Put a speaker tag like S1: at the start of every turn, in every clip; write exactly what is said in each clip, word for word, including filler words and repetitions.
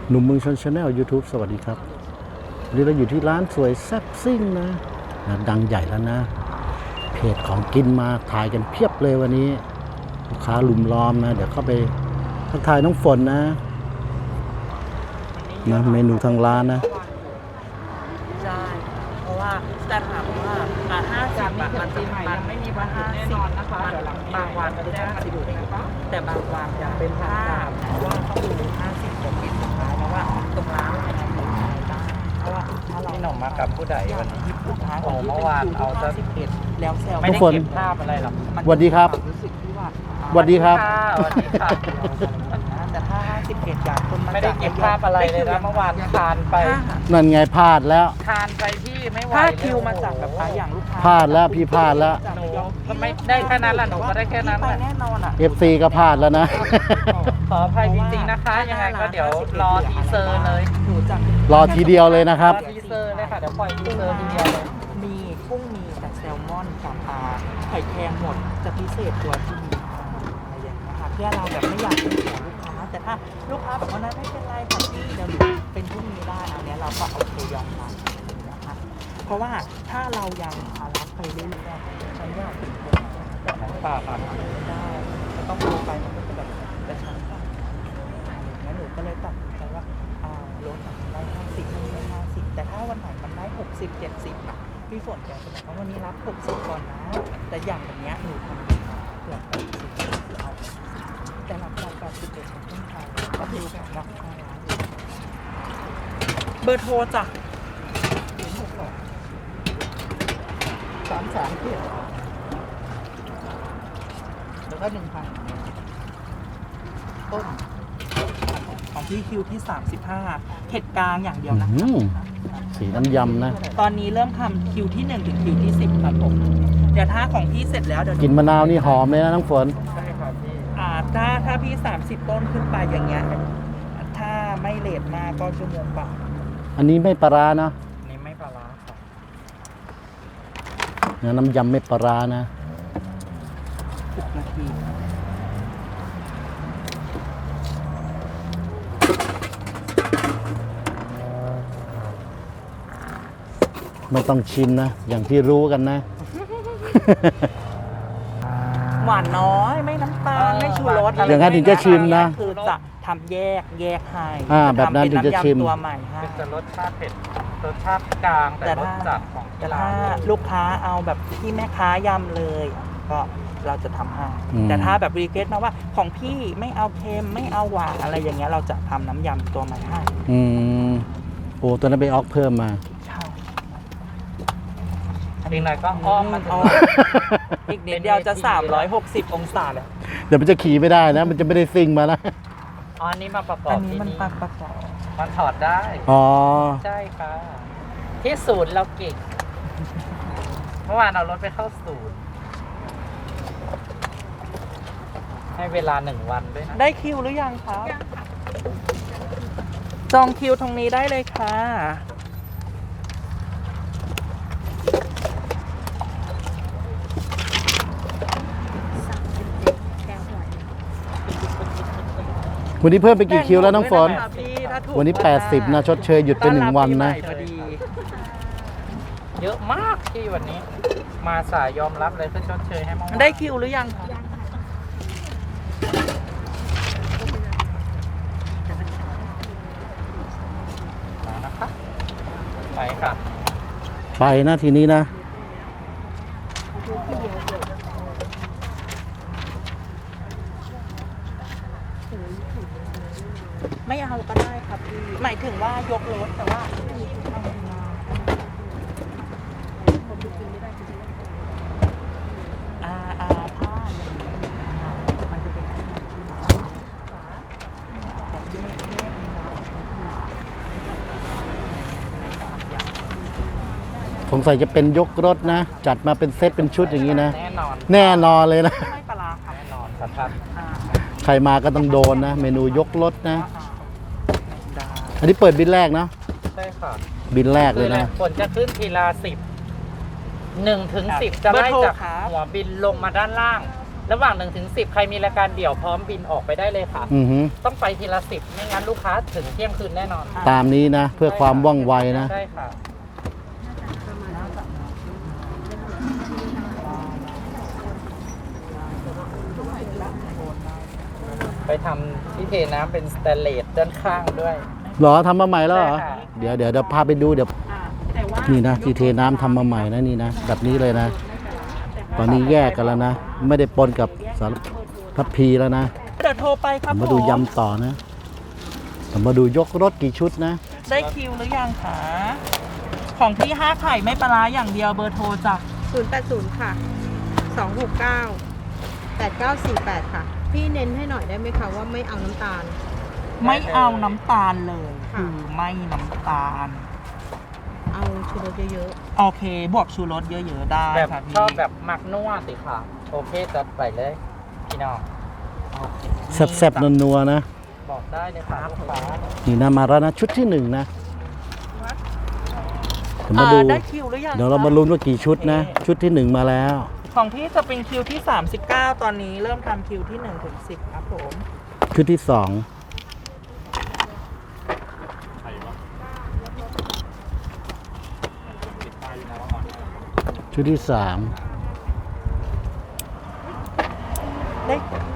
S1: หนุ่มเมืองชนชาแนล YouTube สวัสดีครับวันนี้เราอยู่ที่ร้านสวยแซ่บซิ่งนะนะดังใหญ่แล้วนะเพจของกินมาถ่ายกันเพียบเลยวันนี้ลูกค้าลุมล้อมนะเดี๋ยวเข้าไปทักทายน้องฝนนะนะเมนูทางร้านนะ
S2: ใช่เพราะว่าแต่ถามว่าอ่าห้าสิบบาทมันจริงมันไม่มีว่าห้าสิบมันบางวันคือห้าสิบแต่บางวันจะเป็นห้าเพราะว่าต้องดูห้าสิบของกินสุดท้ายเพราะว่าตรงร้านอะไรทำอะไรได้เพราะว่าถ้าเรา
S3: พี่หน่อมากับผู้ใดวันนี้
S2: ลูกค้า
S3: โอ้เมื่อวานเอาจะ
S2: สิบเอ็ดแล้วแซว
S3: ไม่ได้เก็บภาพอะไรหรอก
S1: สวัสดีครับ
S2: รู้สึกที่ว่า
S1: สวัสดีครับ
S3: สวัสดีค่ะ
S2: แต่ถ้าห้าสิบเอ็ดอย่างคนมา
S3: ไม่ได้เก็บภาพอะไรเลยนะเมื่อวานทานไป
S1: นั่นไงพลาดแล้ว
S3: ทานไปที่ไม่ไหว
S2: ถ้า
S3: เลย
S2: คิวมาจากแบบว่าอย่างลูกค้า
S1: พลาดแล้วพี่พลาดแล้ว
S3: หนูก็ไม่ได้แค่นั้นแหละหนูก็ได้แค่นั้น
S2: ไป
S3: แหละ
S2: แน่นอนอ่ะ
S1: เอฟ ซี ก็พลาดแล้วนะ
S3: ขออภัยจริงๆนะคะ ยังไงก็เดี๋ยวรอทีเซอร์เลย
S2: หนูจะ
S1: รอทีเดียวเลยนะครับ
S3: รอทีเซอร์เลยค่ะเดี๋ยวปล่อยทีเซอร์ทีเดียวเลย
S2: มีกุ้งมีแต่แซลมอนกับปลาไข่แครงหมดจะพิเศษตัวที่มีอะไรอย่างเงี้ยค่ะเพื่อเราแบบไม่อยากให้เสียลูกค้า แต่ถ้าลูกค้าบอกว่านั้นไม่เป็นไรค่ะพี่เดี๋ยวหนูเป็นพรุ่งนี้ได้อันเนี้ยเราก็โอเคยอมรับนะคะเพราะว่าถ้าเรายังรับไปเรื่อยๆฉันว่าถึงคน
S3: ป่าค่ะ
S2: ได้จะต้องดูไปมันก็จะแบบกระชั้นกันงั้นหนูก็เลยตัดสินใจว่าอ่าลดได้ห้าสิบได้ห้าสิบแต่ถ้าวันไหนมันได้หกสิบเจ็ดสิบอ่ะพี่ฝนแกจะบอกว่าวันนี้รับหกสิบก่อนนะแต่อย่างแบบเนี้ยหนูทำเกือบแปดสิบเอาแต่รับเราแปดสิบเอ็ดขึ้นไปก็ดูแบบราคาร้านเบอร์โทรจ้ะศูนย์หกสองสามสามเจ็ดแล้วก็หนึ่งพันต้นของพี่คิวที่สามสิบห้าเผ็ดกลางอย่างเดียวนะ
S1: อืม สีน้ำยำนะ
S2: ตอนนี้เริ่มทำคิวที่หนึ่งถึงคิวที่สิบครับผมเดี๋ยวถ้าของพี่เสร็จแล้วเดี๋ยว
S1: กินมะนาวนี่หอมเลยนะน้องฝน
S3: ใช่ค่ะพี่
S2: อ่าถ้าถ้าพี่สามสิบต้นขึ้นไปอย่างเงี้ยถ้าไม่เลทมากก็ชั่วโมงกว่า
S1: อันนี้ไม่ปลาร้านะ
S3: อันนี้ไม่ปลาร้าค่ะ
S1: นะน้ำยำไม่ปลาร้านะ
S2: สิบนาที
S1: ไม่ต้องชิมนะ อย่างที่รู้กันนะ
S2: หวานน้อยไม่น้ำตาลไม่ชูรสอะไร
S1: อย่างนั้นถึงจะชิมนะ
S2: คือจะทำแยกแยกให้
S1: อ่าแบบนั้นถึงจะชิม
S2: ทำเป็นน้ำยำตัวใหม่ให้
S3: เป็นจะรสชาติเผ็ดรสชาติกลางแต่
S2: แต่
S3: รส
S2: ถ้า
S3: จัดของ
S2: แต่
S3: ร้า
S2: ถ้าน ลูกค้าเอาแบบที่แม่ค้ายำเลย ก็เราจะทำให้
S1: อืม
S2: แต่ถ้าแบบรีเควสต์มาว่าของพี่ไม่เอาเค็มไม่เอาหวานอะไรอย่างเงี้ยเราจะทำน้ำยำตัวใหม่ให้
S1: อืมโอ้ตัวนั้นไปออกเพิ่มมา
S2: ใช่
S3: อีกหน่อยก็อ้อมมาถึง
S2: อ้อมอีกนิดเดียวจะสามร้อยหกสิบองศาแล้ว
S1: เดี๋ยวมันจะขี่ไม่ได้นะ มันจะไม่ได้ซิ่งมานะ
S3: อ๋ออันนี้มาประกอ
S2: อั
S3: บ
S2: นนี้
S3: ที่
S2: มัน
S3: นี่
S2: ปักประกอบ
S3: มันถอดได้
S1: อ๋อ
S3: ใช่ค่ะ ที่ศูนย์เราเก่ง เมื่อวานเอารถไปเข้าศูนย์ ให้เวลาหนึ่งวันด้วยนะ
S2: ได้คิวหรือยังครับจองคิวตรงนี้ได้เลยค่ะ
S1: วันนี้เพิ่มไปกี่คิวแล้วน้องฝน
S2: แบ่งหมดด้วยะคะพี่ถ้าถูก
S1: วันนี้ แปดสิบ นะ ชดเชยหยุดไปหนึ่งวันนะ
S2: ต้อรับปีใหม่พอดี
S3: เยอะมากที่วันนี้ มาสายยอมรับเลยก็ชดเชยให้เมื่อวาน
S2: ได้คิวหรือยังคะ
S3: มานะคะไปค่ะ
S1: ไปนะทีนี้นะ
S2: ไม่เอาก็ได้ครับพี่หมายถึงว่ายกรถแต่ว่าอ่าอ่าถ้าอย่างนี้มันจะเป็นแต่ที่ไม่แน่
S1: สงสัยจะเป็นยกรถนะ จัดมาเป็นเซตเป็นชุดอย่างนี้นะ
S3: แน่นอน
S1: แน่นอนเลยนะ
S2: ไม่ปลาร้าครับ
S3: แน่นอนสัทัด
S2: อ่า
S1: ใครมาก็ต้องโดนนะ เมนูยกรถนะ
S2: อ่าได้
S1: อันนี้เปิดบินแรกเนาะ
S3: ใช่ค่ะ
S1: บินแรกเลยนะ
S3: ฝนจะขึ้นทีละสิบหนึ่งถึงสิบจะไล่จากหัวบินลงมาด้านล่างระหว่างหนึ่งถึงสิบใครมีรายการเดี่ยวพร้อมบินออกไปได้เลยค่ะ
S1: อือหือ
S3: ต้องไปทีละสิบไม่งั้นลูกค้าถึงเที่ยงคืนแน่นอน
S1: ตามนี้นะ เพื่อความว่องไวนะ
S3: ใช่ค่ะ ไปทำที่เทน้ำเป็นสแตนเลสด้านข้างด้วย
S1: เหรอทำมาใหม่แล้วเหรอ
S3: ใช่ค่ะ
S1: เดี๋ยวเดี๋ยวเดี๋ยวพาไปดูเดี๋ยว นี่นะที่เทน้ำทำมาใหม่นะนี่นะแบบนี้เลยนะ ตอนนี้แยกกันแล้วนะ ไม่ได้ปนกับสารพัดพีแล้วนะ
S2: เดี๋ยวโทรไปครับ
S1: มาดู
S2: ผม
S1: ยำต่อนะมาดูยกรถกี่ชุดนะ
S2: ได้คิวหรือยังคะของพี่ห้าไข่ไม่ปลาร้าอย่างเดียวเบอร์โทรจ้ะ
S4: ศูนย์แปดศูนย์ค่ะ สองหกเก้า แปดเก้าสี่แปดค่ะ พี่เน้นให้หน่อยได้ไหมคะว่าไม่เอาน้ำตาล
S2: ไม่เอาน้ำตาลเลย
S4: ค่ะ
S2: คือไม่น้ำตาล
S4: เอาชูรสเยอะ
S2: โอเค บวกชูรสเยอะๆได้
S3: แบบ
S2: ค่ะพี่
S3: ชอบแบบมักนัวสิค่ะ โอเคจัดไปเลยพี่น้อง
S2: โอเค
S1: แซ่บๆนัวๆนะ
S3: บอกได้เลยค่ะลูกค้า
S1: นี่นะมาแล้วนะชุดที่หนึ่งนะเดี๋ยวมา
S2: อ่า
S1: ดู
S2: ได้คิวหรือยัง
S1: เดี๋ยวเรามาลุ้นว่ากี่ชุดนะ ชุดที่หนึ่งมาแล้ว
S2: ของพี่จะเป็นคิวที่ สามสิบเก้า ตอนนี้เริ่มทำคิวที่หนึ่งถึงสิบครับผม
S1: ชุดที่สองชุดที่สาม
S2: ได้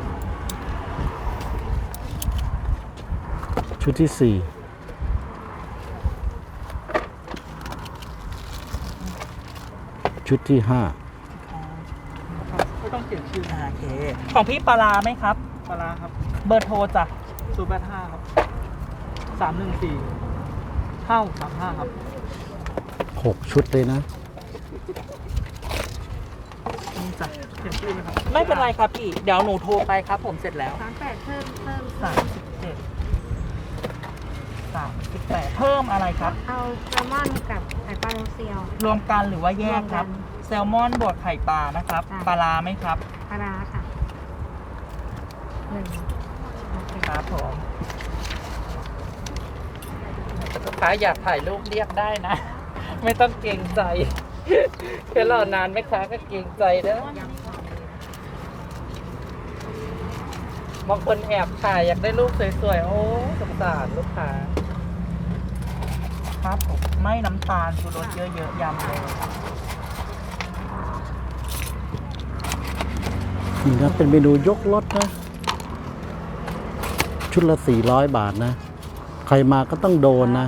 S1: ชุดที่สี่ชุดที่ห้า
S2: ไม่ต้องเขียนชื่อโอเค ของพี่ปลาร้าไหมครับ
S5: ปลาร้าครับ
S2: เบอร์โทรจ้ะ
S5: ศูนย์แปดห้าครับสามหนึ่งสี่เท่าสามห้าครับ
S1: หกชุดเลยนะ
S2: นี่จ้ะ
S5: เขียนชื่อไหมครับ
S2: ไม่เป็นไรครับพี่ เดี๋ยวหนูโทรไปครับผมเสร็จแล้ว
S4: ๆสามแปดเพิ่มเพิ่ม
S2: สามสิบเจ็ดสามสิบแปดเพิ่มอะไรครับ
S4: เอาแซลมอนกับไข่ปลาโรเซียว
S2: รวมกันหรือว่าแยกครับ
S4: รวมกัน
S2: แซลมอนบวกไข่ปลานะครับ
S4: ค่ะ
S2: ปลาร้าไหมครับ
S4: ปลาร้าค่ะหนึ่งโอเค
S2: ครับผม
S3: ลูกค้าอยากถ่ายรูปเรียกได้นะ ไม่ต้องเกรงใจ แค่รอนานไหมคะก็เกรงใจเด้อบางคนแอบถ่ายอยากได้รูปสวยๆ โอ้สงสารลูกค้า
S2: ครับผมไม่น้ำตาลชูรสเยอะๆยำเลย
S1: นี่นะเป็นเมนูยกรถนะ ชุดละสี่ร้อยบาทนะ ใครมาก็ต้องโดนนะ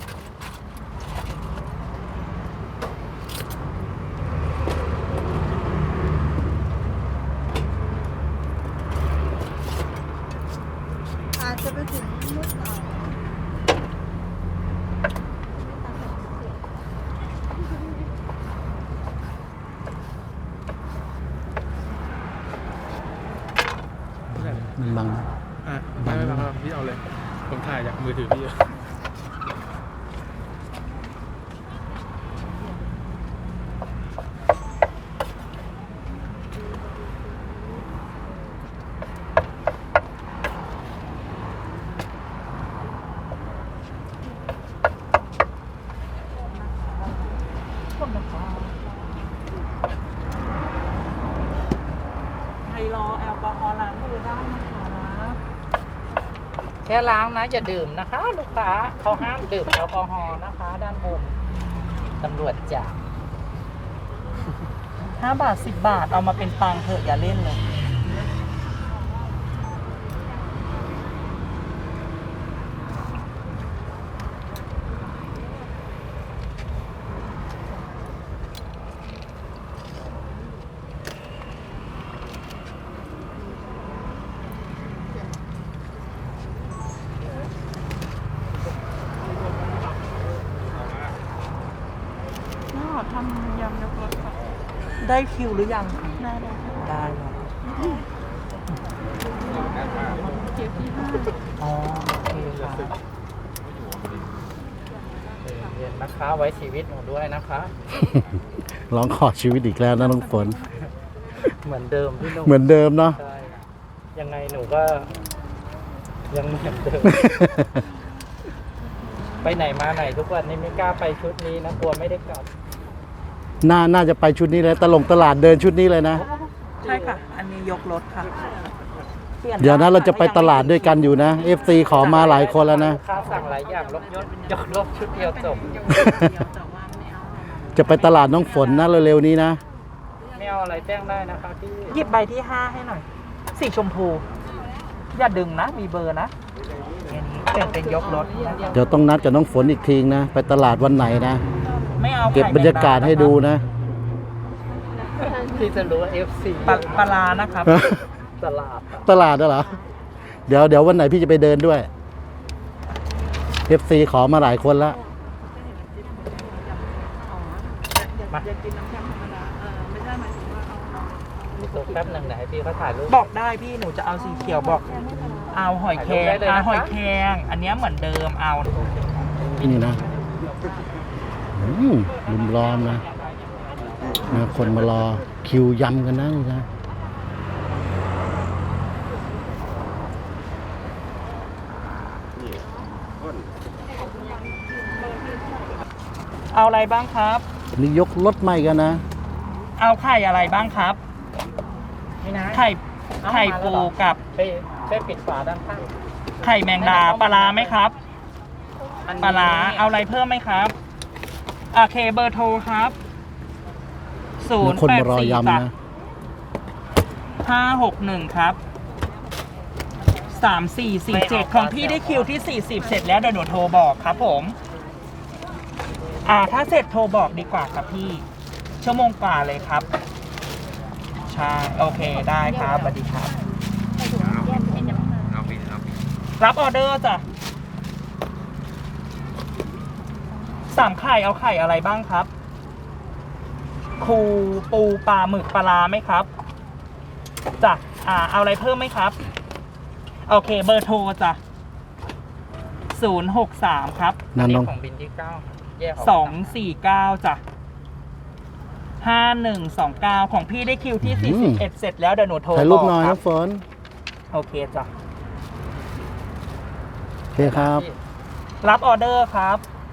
S4: อาจจะไปถึงมุดต่อ
S1: มันบัง
S5: อ่ะไม่ไม่ครับพี่เอาเลย ผมถ่ายจากมือถือพี่
S2: คนนะครับใครรอแอลกอฮอล์ล้างมือได้นะคะ
S3: แค่ล้างนะอย่าดื่มนะคะ ลูกค้าเขาห้ามดื่มแอลกอฮอล์นะคะ ด้านบนตำรวจจับ
S2: ห้าบาทสิบบาทเอามาเป็นตังค์เถอะอย่าเล่นเลย น่าทำยำยกรสค่ะ ได้คิวหรือยัง ได้ได้ได้แล้วอ๋อโอเคค่ะ
S3: เรียนนะคะไว้ชีวิตหนูด้วยนะคะ
S1: ร้องขอชีวิตอีกแล้วนะน้องฝน
S3: เหมือนเดิมพี่หนุ่ม
S1: เหมือนเดิมเนาะ
S3: ใช่ยังไงหนูก็ ยังเหมือนเดิม ไปไหนมาไหนทุกวันนี้ไม่กล้าไปชุดนี้นะกลัวไม่ได้กลับ
S1: น่าน่าจะไปชุดนี้เลยตลงตลาดเดินชุดนี้เลยนะ
S3: ค
S2: ใช่ค่ะ อันนี้ยกรถค่ะปลี่
S1: เดี๋ยวนะเราจะไปตลาดด้วยกันอยู่นะ เอฟ ซี ขอมาหลายคนแล้วนะ
S3: ลูกค้าสั่งหลายอย่างลบยศยกลบชุดเดียวจบ
S1: จะไปตลาดน้องฝนนะเร็วๆนี้นะ
S3: ไม่เอาอะไรแจ้งได้นะคะพี่
S2: หยิบใบที่ห้าให้หน่อย สีชมพู อย่าดึงนะ มีเบอร์นะอันนี้เป็นเป็นยกรถนะ
S1: เดี๋ยวต้องนัดกับน้องฝนอีกทีนะ ไปตลาดวันไหนนะ
S2: ไม่เอา
S1: เก็บบรรยากาศให้ดูนะ
S3: พี่จะรู้ว่า เอฟ ซี
S2: ปลาปลาร้านะครับ
S3: ตลาดอะ
S1: ตลาดเหรอ เดี๋ยวเดี๋ยววันไหนพี่จะไปเดินด้วย เอฟ ซี ขอมาหลายคนแล้ว
S3: มาตัวแป๊บหนึ่งไหนพี่เขาถ่ายรูป
S2: บอกได้พี่หนูจะเอาสีเขียวบอก เอาหอยแครง
S3: ได้เลยนะคะ
S2: เอาหอยแครงอันเนี้ยเหมือนเดิมเอา
S1: นี่นะอืมลุมล้อมนะนะคนมารอคิวยำกันนะนี่นะ
S2: เอาอะไรบ้างครับ
S1: นี่ยกรถใหม่กันนะ
S2: เอาไข่อะไรบ้างครับ
S3: นี่นะ
S2: ไข่ไข่ปูกับ
S3: ช่วยช่วยปิดฝาด้านข้าง
S2: ไข่แมงดาปลาร้าไหมครับ
S3: อันนี้
S2: ปลาร้าเอาอะไรเพิ่มไหมครับโอเคเบอร์โทรครับศูนย์
S1: คน
S2: แปด
S1: มารอ
S2: สี่
S1: ยำนะ
S2: ห้าหกหนึ่งครับสามสี่สี่เจ็ดของพี่ได้คิวที่สี่สิบเสร็จแล้วเดี๋ยวหนูโทรบอกครับผม อ่าถ้าเสร็จโทรบอกดีกว่าครับพี่ ชั่วโมงกว่าเลยครับ ใช่ โอเคได้ครับสวัสดีครับ รับออเดอร์จ้ะสามไข่เอาไข่อะไรบ้างครับ คูปูปลาหมึกปลาร้าไหมครับจ้ะอ่าเอาอะไรเพิ่มไหมครับ โอเคเบอร์โทรจ้ะศูนย์หกสามครับ
S1: นั่นน้อง
S3: ของบินที่เก้าแยกก
S2: สองสี่เก้าจ้ะห้าหนึ่งสองเก้าของพี่ได้คิวที่สี่สิบเอ็ดเสร็จแล้วเดี๋ยวหนูโทร
S1: ถ่ายรูปหน่อย
S2: บกค
S1: น้องฝน
S2: โอเคจ้ะ
S1: โอเคครับ
S2: รับออเดอร์ครับ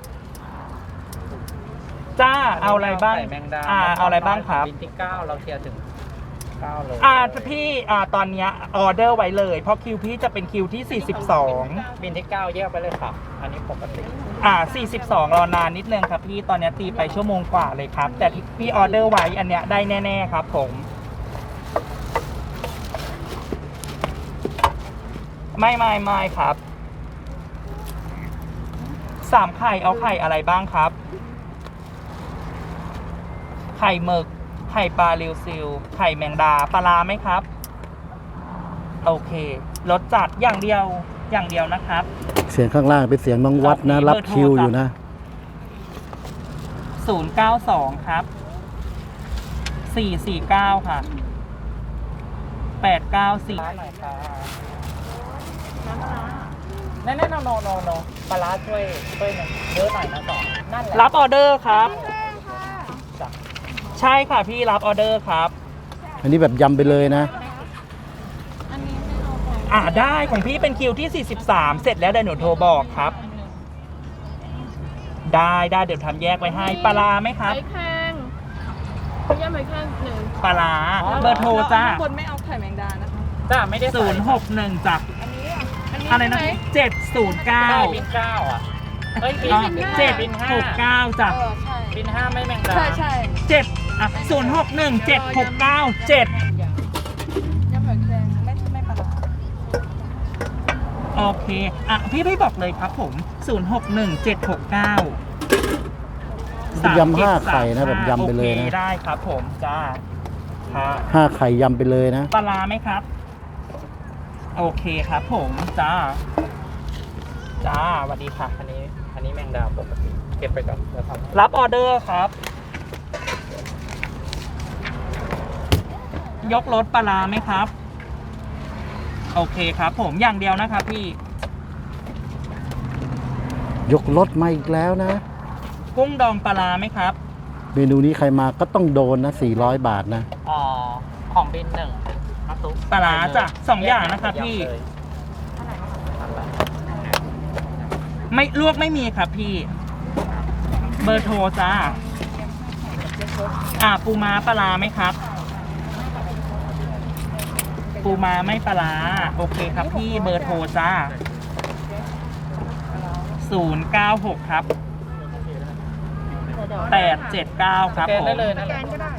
S2: จ้าเอาอะไรบ้าง
S3: ใส่แมงดา
S2: อ่าเอาอะไรบ้างครับ
S3: บินที่เก้าเราเคลียร์ถึงเก้าเลย
S2: อ่าพี่อ่าตอนเนี้ยออเดอร์ไว้เลย เพราะคิวพี่จะเป็นคิวที่สี่สิบสอง
S3: บินที่เก้าแยกไปเลยค่ะ อันนี้ปกติ
S2: อ่าสี่สิบสองรอนานนิดนึงครับพี่ตอนเนี้ยตีไปชั่วโมงกว่าเลยครับ แต่ที่พี่ออเดอร์ไว้อันเนี้ยได้แน่ๆครับผม ไม่ไม่ไม่ครับสามไข่เอาไข่อะไรบ้างครับ ไข่หมึก ไข่ปลาริวซิล ไข่แมงดาปลาร้าไหมครับ โอเครสจัดอย่างเดียวอย่างเดียวนะครับ
S1: เสียงข้างล่างเป็นเสียงน้องวัดนะ รับคิวอยู่นะ
S2: ศูนย์เก้าสองครับสี่สี่เก้าค่ะแปดเก้าสี่
S3: ปลาหน่อยค่ะนั่นนั่นโนโนโนปลาร้าช่วยช่วยหนึ่งเยอะหน่อยนะสองนั่นแหละ
S2: รับออเดอร์ครับ
S3: จ้ะ
S2: ใช่ค่ะพี่รับออเดอร์ครับ
S1: อันนี้แบบยำไปเลยนะ
S2: อ่าได้ของพี่เป็นคิวที่สี่สิบสามเสร็จแล้วเดี๋ยวหนูโทรบอกครับ ได้ได้เดี๋ยวทำแยกไว้ให้ปลาร้าไหมครับ
S6: ไข่แข้งย่ำไข่แข้งหนึ่ง
S2: ปลาร้าเบอร์โทรจ้า
S6: ข้างบนไม่เอาไข่แมงดานะคะ
S3: จ้าไม่ได้ใส่
S2: ศูนย์หกหนึ่งจ้ะ
S6: อันนี้อ่ะอันนี้
S2: อะไรนะ
S6: ใช่หม
S2: เจ็ดศูนย์เก้า
S3: ใช่บินเก้าอ่ะเฮ้ยบินบิน
S2: เจ็ด
S3: บินห้า
S2: หกเก้าจ้ะ
S6: เออใช่
S3: บินห้าไม่แมงดา
S6: ใช่ใช่
S2: เจ็ดอ่ะศูนย์หกหนึ่งเจ็ดหกเก้าเจ็ด
S6: ย่ำไข่แข้งไม่ไม่ปลาร้า
S2: โอเคอ่ะพี่พี่บอกเลยครับผมศูนย์หกหนึ่งเจ็ดหกเก้า
S1: ยำห้าไข่นะแบบยำไปเลยนะ
S2: โอคได้ครับผมจ้าครับ
S1: ห้าไข่ยำไปเลยนะ
S2: ปลาร้าไหมครับ โอเคครับผมจ้าจ้าสวัสดีค่ะ
S3: อันนี้อันนี้แมงดาปกติเก็บไปก่อนเดี๋ยวทำ
S2: รับออเดอร์ครับ ยกรถปลาร้าไหมครับ โอเคครับผมอย่างเดียวนะครับพี่
S1: ยกรถมาอีกแล้วนะ
S2: กุ้งดองปลาร้าไหมครับ
S1: เมนูนี้ใครมาก็ต้องโดนนะสี่ร้อยบาทนะ
S3: อ๋อของบินหนึ่งน้ำซุป
S2: ปลาร้าจ้ะสองอย่างนะครับพี่ ไม่ลวกไม่มีครับพี่ เบอร์โทรจ้า อ่าปูม้าปลาร้าไหมครับ
S3: ปูม้าไม่ปลาร้าโอเคครับพี่เบอร์โทรจ้าศูนย์เก้าหกครับแปดเจ็ดเก้าครับผม
S4: สแกนก็ได้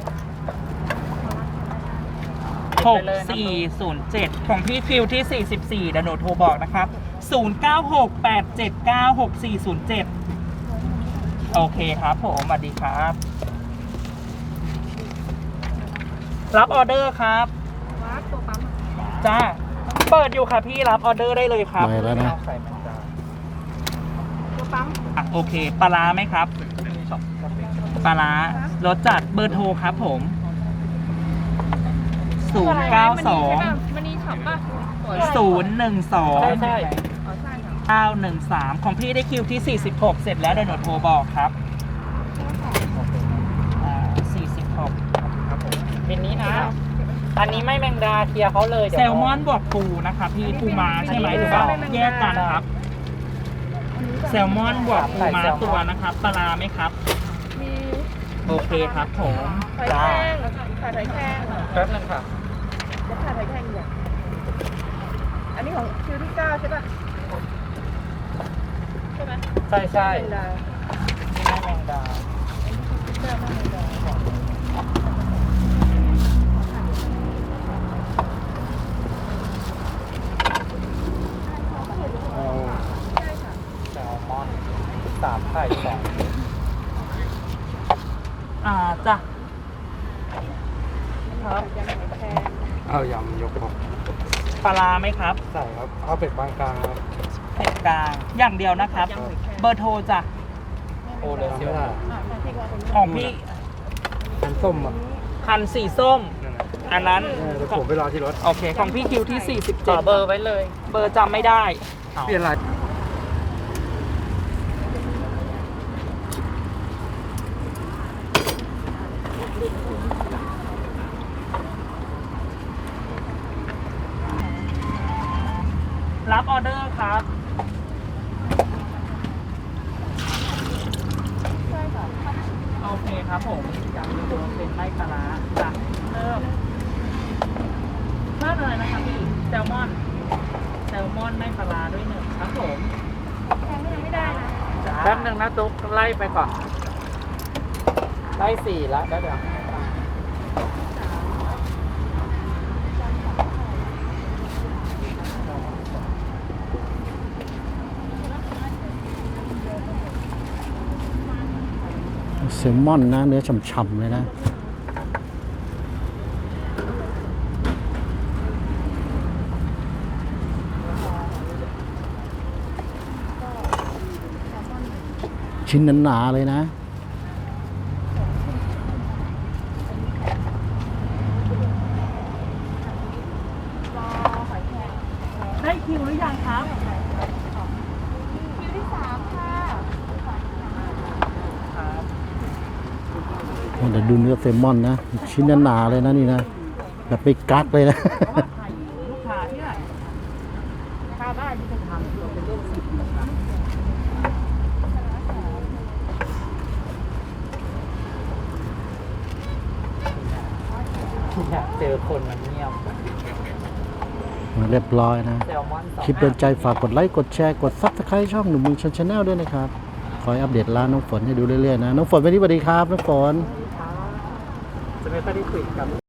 S3: หกสี่ศูนย์เจ็ดของพี่คิวที่สี่สิบสี่เดี๋ยวหนูโทรบอกนะครับศูนย์เก้าหกแปดเจ็ดเก้าหกสี่ศูนย์เจ็ดโอเคครับผมสวัสดีครับ รับออเดอร์ครับ
S6: วัดตัวปั๊ม
S3: จ้าเปิดอยู่ค่ะพี่รับออเดอร์ได้เลยครับ
S1: ไปแล้วนะ
S6: ตัวปั๊ม
S3: อ่ะโอเคปลาร้าไหมครับปลาร้ารสจัดเบอร์โทรครับผมศูนย์เก้าสอง
S6: มันนี่ช็อปป่ะ
S3: ศูนย์หนึ่งสอง
S5: ใช่ใช่
S6: อ๋อใช่ค่ะ
S3: เก้าหนึ่งสามของพี่ได้คิวที่สี่สิบหกเสร็จแล้วเดี๋ยวหนูโทรบอกครับอ่าสี่สิบหก
S5: เป็นนี้นะ อันนี้ไม่แมงดาเคลียร์เขาเลยเดี๋ยว
S3: แซลมอนบวกปูนะคะพี่ปูม้าใช่ไหมหรือว่าแยกกันครับ แซลมอนบวกปูม้าตัวนะครับปลาร้าไหมครับ
S6: มี
S3: โอเคครับผม
S6: ไข่
S3: จ้า
S6: แข้งไข่ไข่แข้ง
S5: แป๊บนึงค่ะ
S6: จะไข่ไข่แข้งอย่างอันนี้ของคิวที่เก้าใช่ป่ะใช่ไหม
S5: ใช่ใช่
S6: เป็นดา
S5: ไม่แมงดา
S6: เก้าไม่เป็นดา
S5: เอาแซลมอนสามไข่สอง
S3: อ่าจ้ะ
S6: ครับยังไข่แข้ง
S5: เอายำยกครับ
S3: ปลาร้าไหมครับ
S5: ใส่ครับเอาเป็ดปานกลางครับ
S3: เผ็ดกลางอย่างเดียวนะครับ เบอร์โทรจ้ะ
S5: โอเลยไม่ได้
S6: อ่ะที่ว่าตรงนี้
S3: ของพี่
S5: อันส้มอ่ะ
S3: คันสีส้ม
S5: นั่นน่ะ
S3: อันนั้น
S5: เออเดี๋ยวผมไปรอที่รถ
S3: โอเค ของพี่คิวที่สี่สิบ
S5: ต่
S3: เจ็
S5: อ
S3: ด
S5: เบอร์ไว้เลย
S3: เบอร์จำไม่ได้
S5: เปลี่ยนอะไร
S3: รับออเดอร์ครับ
S6: ใช่ค่ะ
S3: โอเคครับผมจำดูเป็นไล่ปลาร้าจ้ะเริ่มเพิ่มอะไรนะครับพี่แซลมอนแซลมอนไม่ปลาร้าด้วยหนึ่งครับผม
S6: แข้งก็ยังไม่ได้นะ
S3: จ้า
S5: แป๊บนึงนะตุ๊กไล่ไปก่อน ไล่สี่แล้วเดี๋ยวเดี๋ยว
S1: แซลมอนนะเนื้อฉ่ำๆเลยนะ ชิ้นหนาๆเลยนะ
S3: ได้คิวหรือยังครับ
S6: คิวที่สามค่ะ
S3: ครับ
S1: เดี๋ยวดูเนื้อแซลมอนนะ ชิ้นหนาๆเลยนะนี่นะ แบบไม่กักเลยนะ
S3: เพราะว่าไข่ลูกค้าที่ไหนถ้าได้ที่จะทำเราเป็นเรื่องสิบนะครับ
S5: อยากเจอคนมันเงียบ
S1: เรียบร้อยนะ
S5: แซลมอนสอง
S1: คลิปโดนใจฝากกดไลค์ กดแชร์ กดซับสไครต์ช่องหนุ่มเมืองชนชาแนลด้วยนะครับ คอยอัปเดตร้านน้องฝนให้ดูเรื่อยๆนะ น้องฝนวันนี้สวัสดีครับ น้องฝน
S5: จะไม่ค่อยได้คุยกับ